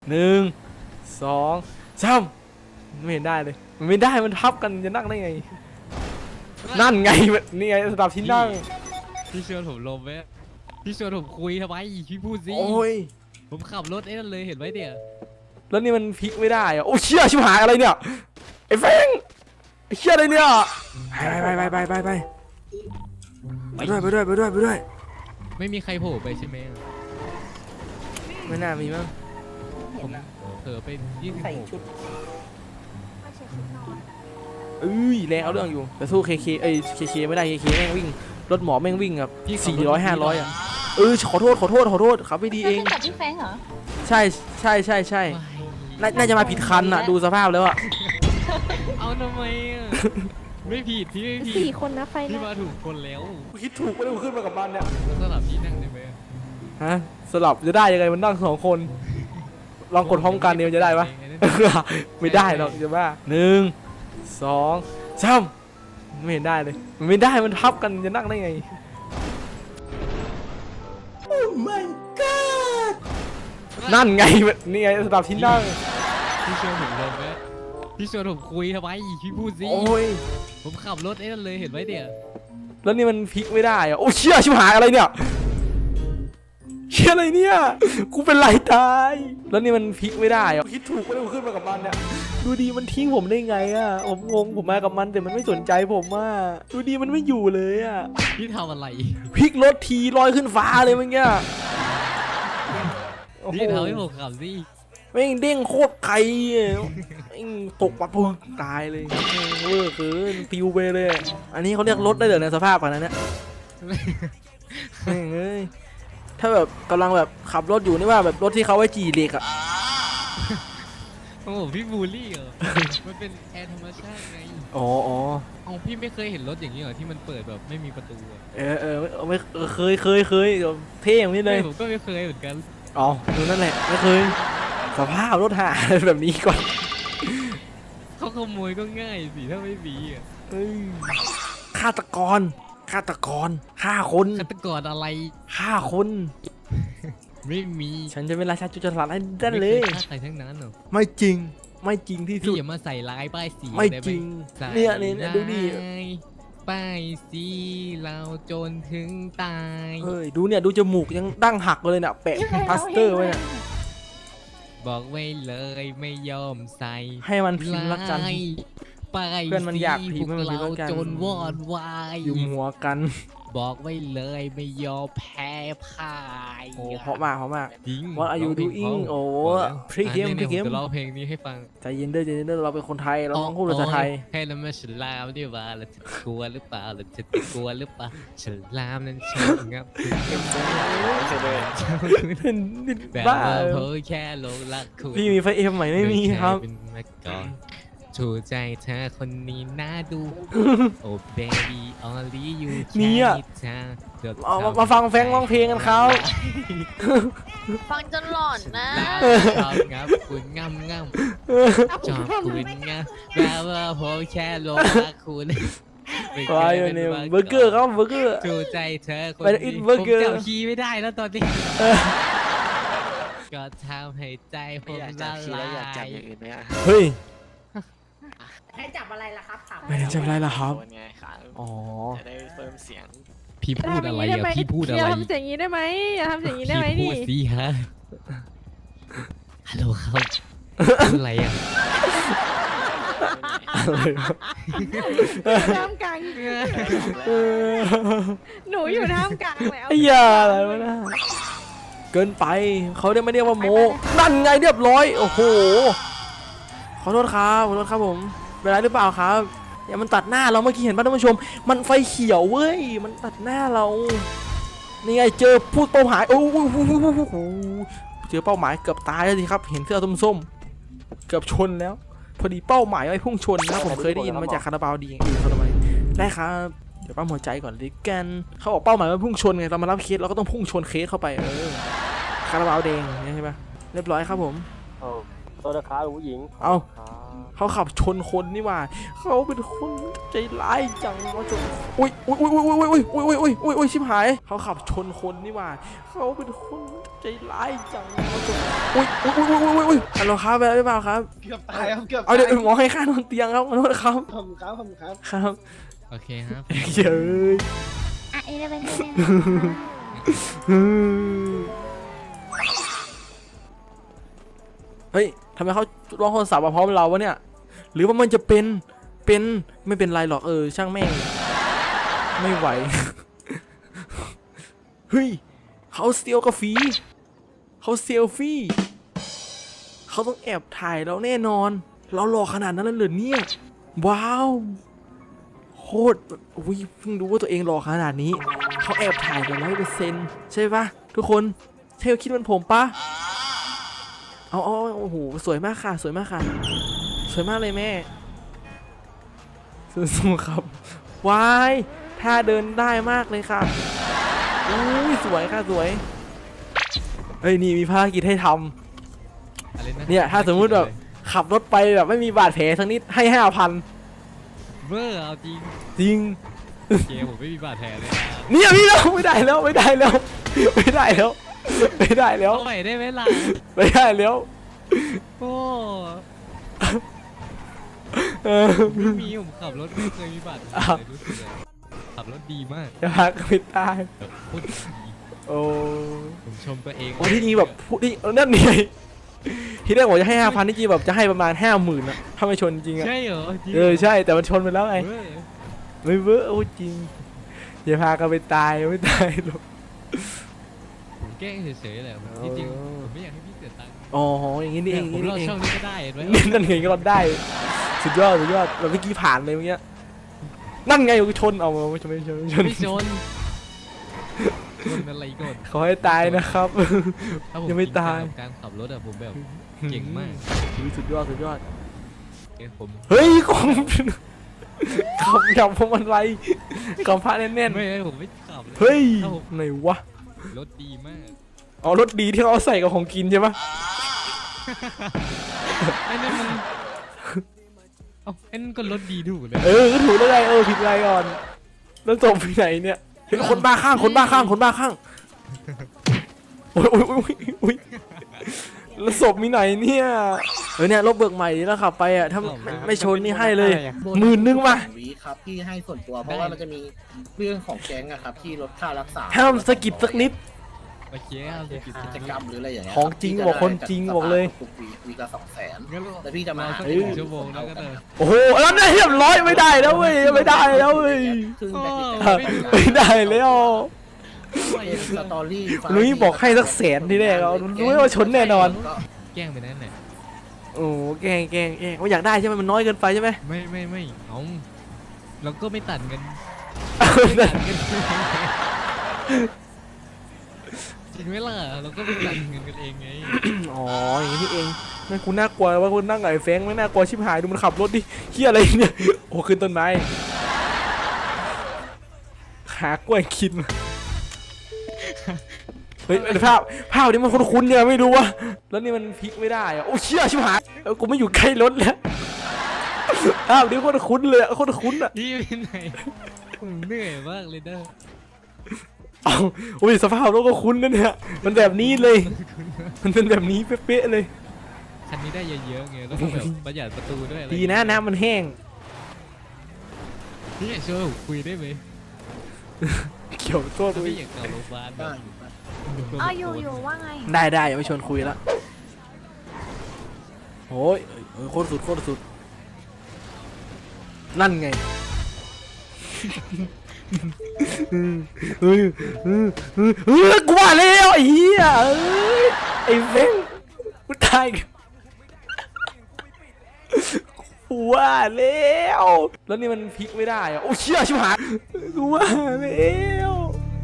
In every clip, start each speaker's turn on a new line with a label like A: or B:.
A: 1 2 3ไม่เห็นได้เลยมันไม่ได้มันทับกันจะนั่งได้ไงนั่นไงนี่ไงสำหรับที่นั่ง
B: พี่ชวนผมลงไหมพี่ชวนผมคุยทำไมพี่พูดสิ
A: โอ้ย
B: ผมขับรถไอ้นั่นเลยเห็นไหมเนี่ย
A: แล้วนี่มันพลิกไม่ได้อะโอ้เชี่ยชิบหายอะไรเนี่ยไอ้แฟงไอ้เชี่ยอะไรเนี่ยไปด้วย
B: ไม่มีใครโผล่ไปใช่ไหม
A: ไม่น่ามีมั้ง
B: ผมเผลอไป26
A: แล้วเรื่องอยู่แต่สู้เคเคไม่ได้เคแม่งวิ่งรถหมอแม่งวิ่งแบบ400-500อ่ะขอโทษขับไม่ดีเอง
C: กับพี่แฟงเหรอ
A: ใช่น่าจะมาผิดคันอ่ะดูสภาพแล้วอ่ะ
B: เอาทำไมอ่ะไม่ผิดพี่ไม่ผิด
C: 4 คนนะไฟนะ
B: พี่มาถูกคนแล้ว
A: คิดถูกไม่ได้ขึ้นมากับมันเนี่ย
B: สลับที่นั่งได้ไหม
A: ฮะสลับจะได้ยังไงมันนั่ง2 คนลองกดพร้อมกันเนี่ยจะได้ปะไม่ได้หรอกจะบ้า1 2 3ไม่เห็นได้เลยมันไม่ได้มันทับกันจะนั่งได้ไงโอ้ my god นั่นไงนี่ไงสำหรับที่นั่ง
B: พี่ชวนผมลงไหมพี่ชวนผมคุยทำไมพี่พูดสิ
A: โอ้ย
B: ผมขับรถไอ้นั่นเลยเห็นไหมเนี่ย
A: แล้วนี่มันพลิกไม่ได้อะโอ้เชี่ยชิบหายอะไรเนี่ยเชี่ยอะไรเนี่ยกูเป็นไรตายแล้วนี่มันพลิกไม่ได้อะคิดถูกไม่ได้ขึ้นมากับมันเนี่ยดูดีมันทิ้งผมได้ไงอะผมงงผมมากับมันแต่มันไม่สนใจผมอะดูดีมันไม่อยู่เลยอะ
B: พี่ทำอะไร
A: พลิกรถทีลอยขึ้นฟ้าเลยเมื่อกี้
B: พี่ทำให้ผมขับสิ
A: แม่งเด้งโคตรไกลแม่งตกปะพึ่งตายเลยเวอร์เกินปิวไปเลยอันนี้เขาเรียกรถได้เหรอในสภาพขนาดนี้เฮ้ยถ้าแบบกำลังแบบขับรถอยู่นี่ว่าแบบรถที่เขาไว้จีเหล็กอะ
B: โอ้พี่บูลลี่เหรอมันเป็นแอร์ธรรมชาติไง
A: อ๋อ
B: พี่ไม่เคยเห็นรถอย่างนี้เหรอที่มันเปิดแบบไม่มีประตู
A: ไม่เคยเท่อย่างนี้เลย
B: ผมก็ไม่เคยเหมือนกัน
A: อ๋อดูนั่นแหละไม่เคยสภาพรถหาแบบนี้ก่อน
B: เขาขโมยก็ง่ายสิถ้าไม่มีอ่ะ
A: ฆาตกรฆ่าคน
B: ฆาตกรอะไร
A: ฆ่าคน
B: ไม่มี
A: ฉันจะเป็นราชาจุจรัสให้ได้เลย
B: ฆ่าใครทั้งนั้นเหรอ
A: ไม่จริงที่สุด
B: พี่อย่ามาใส่ร้ายป้ายสี
A: ไม่จริงเนี่ยดูดิ
B: ป้ายสีเราจนถึงตาย
A: ดูจมูกยังดั้งหักเลยเนี่ยแปะพลาสเตอร์ไว้เนี่ย
B: บอกไว้เลยไม่ยอมใส่
A: ให้มันพิมพ์ละกันเพื่อนมันอยากพิมพ์ให้มันพิมพ์ละกัน
B: จนวอดวาย
A: อยู่หัวกัน
B: บอกไว้เลยไม่ยอมแพ้พ่าย
A: โอ้เพราะมาก
B: จริง
A: What are you doing โอ้พรีเกม
B: จะร้องเพลงนี้ให้ฟัง
A: ใจเย็นเด้อเราเป็นคนไทยเราต้องพูดภาษาไทย
B: ให้เรามาฉลามดีกว่าเราจะกลัวหรือเปล่าฉลามนั้นใช่ครับ
A: บ้า
B: เพ้อแค่หลงรักคุณ
A: พี่มีไฟเอ็มใหม่ไม่มีครับ
B: ถูกใจเธอคนนี้น่าดูโอ้ baby only you
A: เนี่ยมาฟังแฟงร้องเพลงกันเขา
C: ฟังจนหลอนนะ
B: งับคุณงำจอบคุณงำแบบว่าผมแค่หลงรักคุณ
A: ไปเนี่ยเบอร์เกอร์ครับเบอร์เกอร์
B: ถูกใจเธอคนนี้ผมจับคีย์ไม่ได้แล้วตอนนี้ก็ทำให้ใจผมละลาย
A: เฮ้ย
C: ให้จับอะไรล่ะครับ
A: ไม่ได้จับอะไรล่ะครับ
D: อ๋อจะได้เพิ่มเสียง
B: พี่พูดอะไรอ่ะพี่พูดอะไรอย่า
C: ทำเสียงนี้ได้ไหมอย่าทำเสียงนี้ได้ไหมนี่
B: พูดสิฮะฮัลโหลครับพูดอะไรอ่ะ
C: ท่ามกลางหนูอยู่ท่ามกลางแล้ว
A: อย่าอะไรวะนะเกินไปเขาไม่เรียกว่าโมนั่นไงเรียบร้อยโอ้โหขอโทษครับผมเป็นไรหรือเปล่าครับอย่ามันตัดหน้าเราเมื่อกี้เห็นป่ะท่านผู้ชมมันไฟเขียวเว้ยมันตัดหน้าเรานี่ไงเจอพูดเป้าหมายโอ้โหเจอเป้าหมายเกือบตายแล้วสิครับเห็นเสื้อส้มๆเกือบชนแล้วพอดีเป้าหมายไว้พุ่งชนนะผมเคยได้ยินมาจากคาราบาวดีเขาทำไมได้ครับเดี๋ยวปั๊มหัวใจก่อนดิกันเขาบอกเป้าหมายว่าพุ่งชนไงเรามารับเคสเราก็ต้องพุ่งชนเคสเข้าไปคาราบาวแดงใช่ไหมเรียบร้อยครับผม
D: ตัวราคาผู้หญิง
A: เอาเขาขับชนคนนี่หว่าเขาเป็นคนใจร้ายจังเขาชนอุ้ยอุ้ยอุ้ยอุ้ยอุ้ยอุ้ยอุ้ยอุ้ยอุ้ยชิบหายเขาขับชนคนนี่หว่าเขาเป็นคนใจร้ายจังเขาชนอุ้ยอุ้ยอุ้ยอุ้ยอุ้ยฮัลโหลครับอะไรหรือเปล่าครับ
E: เกือบตายครับเกือบ
A: เอาเดี๋ยวหมอให้ค่านอนเตียงครับขอโทษครับ
E: ผมครับผมครับ
A: ครับ
B: โอเคครับ
A: เย้ย
C: อ่ะเอเลเวนเด
A: เฮ้ยทำไมเขาร้องโทรศัพท์มาพร้อมเราวะเนี่ยหรือว่ามันจะเป็นไม่เป็นไรหรอกช่างแม่งไม่ไหว เฮ้ยเขาเซลกาแฟเขาเซลฟี่เขาต้องแอบถ่ายเราแน่นอนเราหล่อขนาดนั้นเลยเหรอเนี่ยว้าวโคตรอุ้ยเพิ่งรู้ว่าตัวเองหล่อขนาดนี้เขาแอบถ่ายแบบ100%ใช่ปะทุกคนใช่คิดเหมือนผมปะเอาโอ้โหสวยมากค่ะสวยมากค่ะสวยมากเลยแม่สู้ๆครับว้ายท่าเดินได้มากเลยค่ะอุ้ยสวยค่ะสวยเฮ้ยนี่มีภารกิจให้ทำ
B: อะไระ
A: เนี่ยถ้าสมมุติแบบขับรถไปแบบไม่มีบาดแผลสักนิดให้5,000
B: เวอร์เอาจริง
A: จริง
B: โอเคผมไม่มีบาดแผลเลยนะ
A: เนี่ยพี่เราไม่ได้แล้วไม่ได้แล้วไม่ได้แล้วไม่ได้แล้ว
B: เอาใหม่ได้ไหมล่ะ
A: ไม่ได้แล้ว
B: โอ้
A: เออ
B: ไม่มีผมขับรถไม่เคยมีบาดแผลเลยรู้สึกเลยขับรถดีมาก
A: จะพักไม่ได้
B: แบบโคตรดี
A: โอ้
B: ผมชมตัวเอง
A: โอ้ที่นี่แบบพูดที่นั่นนี่ที่แรกบอกจะให้5,000ที่จริงแบบจะให้ประมาณ50,000นะถ้าไม่ชนจริงอะ
B: ใช่เหรอจริง
A: ใช่แต่มันชนไปแล้วไง
B: เว้ย
A: ไม่เวอร์โอ้จริงอย่าพากันไปตายไม่ตายหรอก
B: ผมแกล้งเฉยๆแหละผมที่จริงผมไม่อยากให้พี่เสียตังค์
A: อ๋ออย่างนี้นี่เอง
B: ผมรอด
A: นี่เอง
B: ช่องนี้ก็ได้เห็นไหม
A: นั่นไงก็รอดได้สุดยอดแบบเมื่อกี้ผ่านเลยเมื่อกี้นั่นไงกูชนเอาไม่ชน
B: ไม่ชนชนอะไรก่อน
A: ขอให้ตายนะครับ
B: ถ้าผม
A: ยังไม่ตาย
B: จริงจังกับการขับรถอะผมแบบเก่งมาก
A: สุดยอด
B: ผม
A: เฮ้ยกองขับจับพวงมาลัยกำพระแน่น
B: ไม่ผมไม่ขับล
A: ๆเฮ้ย
B: ถ้าผม
A: ไหนวะ
B: รถดีมาก
A: อ๋อรถดีที่เราใส่กับของกินใช่ปะ
B: ไอ้นั่นมันเอ้าไอ้นั่นก็รถดีถูกเลย
A: ก็ถูกแล้วไงผิดอะไรก่อนแล้วจบไปไหนเนี่ยเห็นคนบ้าข้างโอ้ยแล้วศพมีไหนเนี่ยเนี่ยรถเบิกใหม่นี่แล้วขับไปอ่ะถ้าไม่ชนนี่ให้เลย10,000ป่ะ
E: วีครับที่ให้ส่วนตัวเพราะว่ามันจะมีเรื่องของแก๊งอะครับที่ลดค่ารักษา
A: ห้ามสะกิดสักนิด
B: โอเคเอาสิ
E: กิจกรรมหรืออะไรอย่างเงี้ย
A: ของจริงบอกคนจริงบอกเลย
E: ทุกวีละ200,000
B: งั้น
E: แล้วพี่จะมา
B: สัก
A: เฮ้ย
B: 1 ชั่วโมงแล้วก็เดิน
A: โอ้โหแล้วเนี่ยเรียบร้อยไม่ได้แล้วเว้ยไม่ได้แล้วเว้ย
E: ซึ่งเป็นกิจกร
A: อ่ะ
E: รม
A: ไม่ได้แล้ว
E: เป็นสตอรี่
A: นุ้ยบอกให้สัก100,000ทีแรกเอานุ้ยว่าชนแน่นอน
B: แกล้งไปนั่นแหละ
A: โอ้แกงว่าอยากได้ใช่ไหมมันน้อยเกินไปใช่ไหม
B: ไม่เอาเราก็ไม่ตัดเงินตัดเงินจริงไหมล่ะเราก็ไม่ตัดเงินกันเองไง
A: อ๋ออย่างนี้นี่เองไม่กูน่ากลัวว่าคุณนั่งกับไอ้แฟงไม่น่ากลัวชิบหายดูมันขับรถดิเฮียอะไรเนี่ยโอ้ขึ้นต้นไม้หากล้วยกินเฮ้ยภาพนี้มันคุ้นๆเนี่ยไม่รู้ว่าแล้วนี่มันพลิกไม่ได้อะโอ้เชี่ยชิบหายกูไม่อยู่ใกล้รถแล้วภาพนี้โคตรคุ้นเลยโคตรคุ้นอ่ะ
B: นี่ไปไหนผมเหนื่อยมากเลยเด้อ
A: เอาโอ้ยสภาพรถก็คุ้นนะเนี่ยมันแบบนี้เลยมันเป็นแบบนี้เป๊ะๆเลย
B: คันนี้ได้เยอะๆไงแล้วก็แบบประหยัดประตูด้วยอะไร
A: ดีนะน้ำมันแห้ง
B: พี่อยากช่วยผมคุยได้ไหม
A: เกี่ยวตัว
B: ถ้า
A: กู
B: พี่อยากกลับโรงพยาบาลแบ
E: ได้
B: บ
C: อ๋ออยู่ว่าไง
A: ได้อย่าไปชวนคุยแล้วโอ้ยโคตรสุดนั่นไงกูว่าแล้วไอ้เหี้ยไอ้เฟ้งกูตายกูว่าแล้วแล้วนี่มันพลิกไม่ได้อะโอ้เชี่ยชิบหายกูว่าแล้ว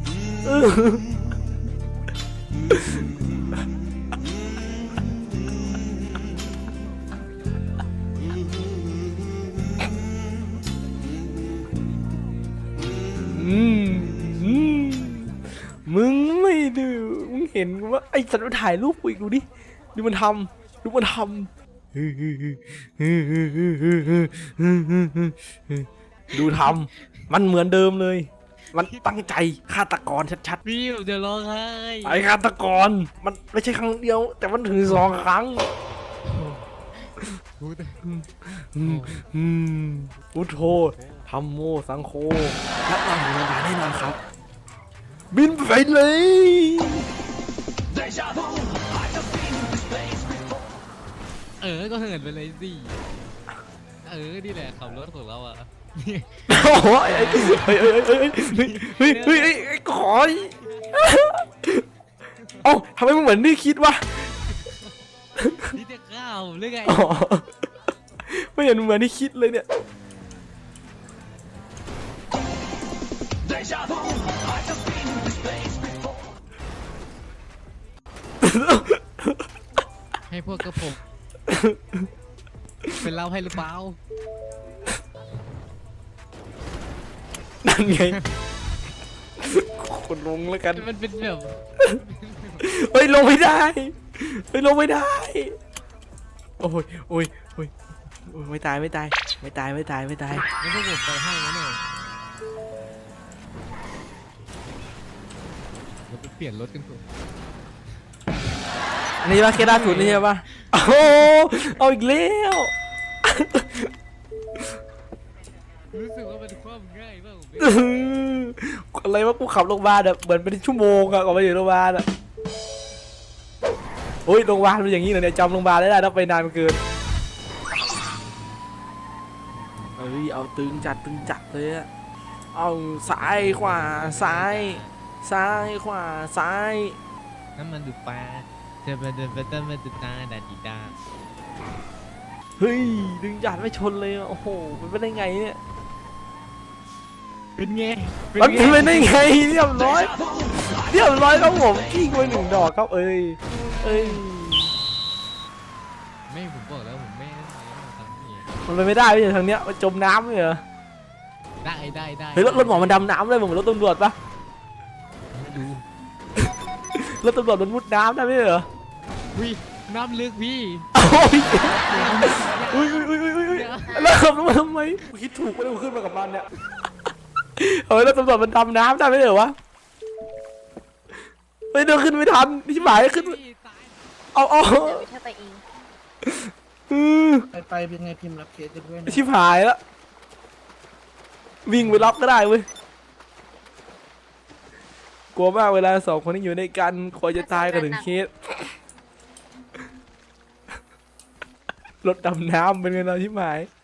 A: มึงไม่ดูมึงเห็นว่าไอ้สัตว์มันถ่ายรูปกูอีกดูดิดูมันทำดูทำมันเหมือนเดิมเลย มันตั้งใจฆาตกรชัด
B: พี่ผมจะร้องไห้
A: ๆไอ้ฆาตกรมันไม่ใช่ครั้งเดียว แต่มันถึง2 ครั้ง
B: พูด
A: พุทโธธรรมโมสังโฆรับรองอยู่ในงานแน่นอนครับ บินไปเลย
B: ก็เหินไปเลยสินี่แหละขับรถของเราอ่ะ
A: โอ้โหไอ้ขอยเอ้าทำไมมันเหมือนที่คิดวะ
B: นี่จะข้าวหรือไง
A: อ๋อไม่เห็นเหมือนที่คิดเลยเนี่ย
B: ให้พวกกระผมเป็นเราให้หรือเปล่า
A: นั่นไงคนลงแล้วกัน
B: มันเป็นแบบ
A: เฮ้ยลงไม่ได้เฮ้ยลงไม่ได้โอ้ยโอ้ยโอ้ยโอ้ยไม่ตายไม่ตายไม่ตายไม่ตายไม่ตาย
B: งั้นพวกผมไปให้นะเนี่ยเราไปเปลี่ยนรถกันเถอะ
A: อันนี้ป่ะเคสล่าสุดนี่ใช่ป่ะโอ้โหเอาอีกแล้ว
B: รู้สึกว่ามันความง่ายมากผม
A: อื้อหืออะไรวะกูขับโรงพยาบาลอะเหมือนเป็นชั่วโมงอะก่อนไปถึงโรงพยาบาลอะโอ้ยโรงพยาบาลเป็นอย่างนี้เหรอเนี่ยจำโรงพยาบาลได้ถ้าไปนานเกินเฮ้ยเอาตึงจัดเลยอะเอาซ้ายขวาซ้ายซ้ายขวาซ้าย
B: น้ำมันดูปลาเธอมาเดินไปต้นมาดูตาดาดีดา
A: เฮ้ยดึงจัดไม่ชนเลยอะโอ้โหมันเป็นได้ไงเนี่ย
B: เป็นไง
A: มันเป็นได้ไงเรียบร้อยครับผมกิ้งไป1 ดอกครับเอ้ย
B: ไม่ผมบอกแล้วผมไม่ทำนี่
A: มันไปไม่ได้พี่ทางเนี้ยมันจมน้ำเลยเหรอ
B: ได้
A: เฮ้ยรถหมอมันดำน้ำเลยเหมือนรถตำรวจปะ
B: ดู
A: รถตำรวจมันมุดน้ำได้ไหมเหรอ
B: วิน้ำลึกพี่
A: โอ้ยอุ้ยแล้วขับรถมาทำไมกูคิดถูกไม่ได้กูขึ้นมากับมันเนี่ยเฮ้ยรถตำรวจมันดำน้ำได้ไหมเหรอวะเฮ้ยเดินขึ้นไม่ทันที่หมายขึ้นเอา
C: เดี๋ยวเธอไปเอง
E: ไปเป็นไงพิมพ์รับเคสกันด้วยนะ
A: ชิบหายแล้ววิ่งไปรับก็ได้เว้ยกลัวมากเวลา2 คนที่อยู่ในกันคอยจะตายกันถึงเคสรถดำน้ำเป็นไงเราชิบหาย